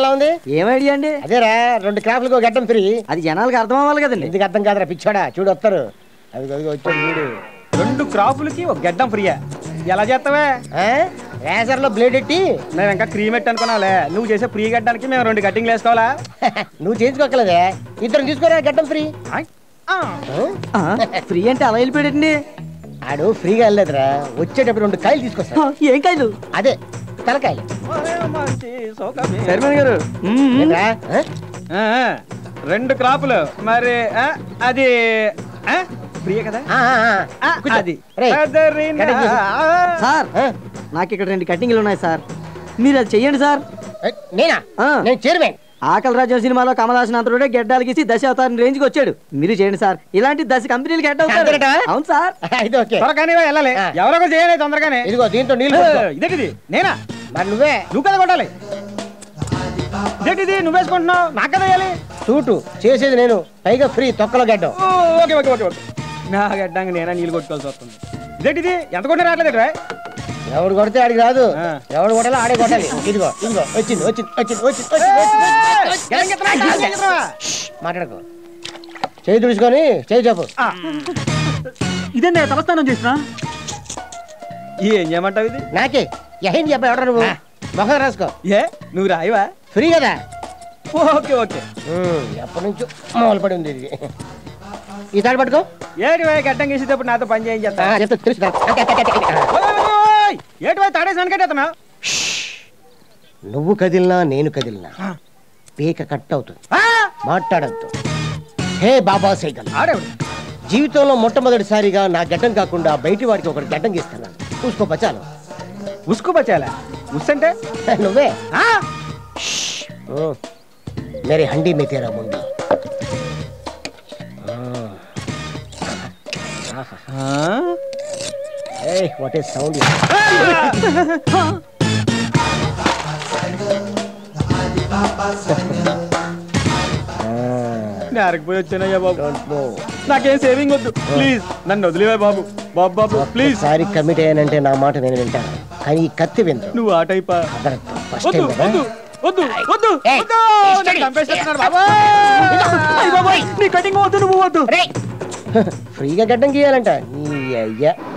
ఉంది? ఏం ఐడియా అండి? అదేరా 2 క్రాఫ్లకు గడ్డం ఫ్రీ. అది జనాలకు అర్థం అవ్వాలి కదండి. ఎందుకు అర్థం కాదురా పిచ్చోడా, చూడు వస్తారు. అది వచ్చాడు చూడు. 2 క్రాఫ్లకి ఒక గడ్డం ఫ్రీయా? ఎలా చేస్తావే? రేజర్ లో బ్లేడ్ ఎట్టి మేము ఇంకా క్రీమ్ ఎట్టి అనుకున్నావులే. నువ్వు చేసే ఫ్రీ గడ్డానికి మేము 2 కట్టింగ్లు వేసుకోవాలా? నువ్వు చేయించుకోకలేదే, ఇద్దరు తీసుకోరా గడ్డం ఫ్రీ. ఫ్రీ అంటే అలా వెళ్ళిపోయాడండి. ఆడు ఫ్రీగా వెళ్ళలేదురా, వచ్చేటప్పుడు 2 కాయలు తీసుకొస్తా. ఏం కాయలు? అదే తలకాయలు. చైర్మన్ గారు 2 క్రాపులు మరి అది ఫ్రీయే కదా? అది సార్, నాకు ఇక్కడ 2 కట్టింగ్లు ఉన్నాయి సార్, మీరు అది చెయ్యండి సార్. నేనా? నేను చైర్మన్. ఆకలి రాజ్యం సినిమాలో కమలాసన్ అంతరుడే గెడ్డాలు గీసి దశ అవతారం రేంజ్ కి వచ్చాడు. మీరు చేయండి సార్, ఇలాంటి 10 కంపెనీలు గెడ్ అవుతారు. అవును సార్. త్వరగానే వెళ్ళాలి, ఎవరో చేయాలి తొందరగానే. ఇదిగో దీంతో నీళ్ళు. ఇదేంటిది? నేనా? మరి నువ్వే. నువ్వు కదా కొట్టాలి. ఇదేంటిది నువ్వు వేసుకుంటున్నావు? నాకు కదా వేయాలి. సూటు చేసేది నేను, పైగా ఫ్రీ తొక్కలో గడ్డం. Okay okay okay okay. నా గడ్డానికి నేనా నీళ్ళు కొట్టుకోవాల్సి వస్తుంది. ఇదేంటిది ఎంత కొట్టినా రావట్లేదు? ఎవడు కొడితే ఆడికి రాదు, ఎవడు కొట్టాలో ఆడే కొట్టాలి. ఇదిగో ఇదిగో వచ్చింది వచ్చింది వచ్చింది వచ్చింది. మాట్లాడుకో, చేయి తుడుచుకొని చేయి చెప్పు. ఇదే నేను తలస్నానం చేసిన. ఏం చేయమంటావు? ఇది నాకే ఏం చెప్పా, ఎవడ నువ్వు మొహం రాసుకో. ఏ నువ్వు రాయవా? ఫ్రీ కదా. Okay okay. ఎప్పటి నుంచో మొదలు పడి ఉంది ఇది. ఈ తాడు పట్టుకో. ఏటి గడ్డం గీసేటప్పుడు నాతో పని చేయం చేస్తా. ఏటి తాడేసి వెనకట్టేస్తున్నా. నువ్వు కదిలినా నేను కదిలినా పీక కట్ అవుతుంది. మాట్లాడద్దు. హే బాబా సైకిల్, జీవితంలో మొట్టమొదటిసారిగా నా గడ్డం కాకుండా బయటి వాడికి ఒకటి గడ్డం గీస్తున్నాను. ఉస్కో బచాలు. ఉస్కో బచాలా? ఉస్ అంటే నువ్వే. मेरे हंडी में तेरा मुंडी. Hey, what is sound? పోయి వచ్చానయ్యా బాబు, నాకేం సేవింగ్ వద్దు ప్లీజ్, నన్ను వదిలేవా బాబు. బాబు బాబు ప్లీజ్. సారీ కమిట్ అయ్యానంటే నా మాట నేను వింటాను, కానీ ఈ కత్తి విందు. నువ్వు ఆ టైపా? వద్దు వద్దు వద్దు వద్దు. నీ కటింగ్ వద్దు, నువ్వు వద్దు. ఫ్రీగా గడ్డం గీయాలంట నీ అయ్యా.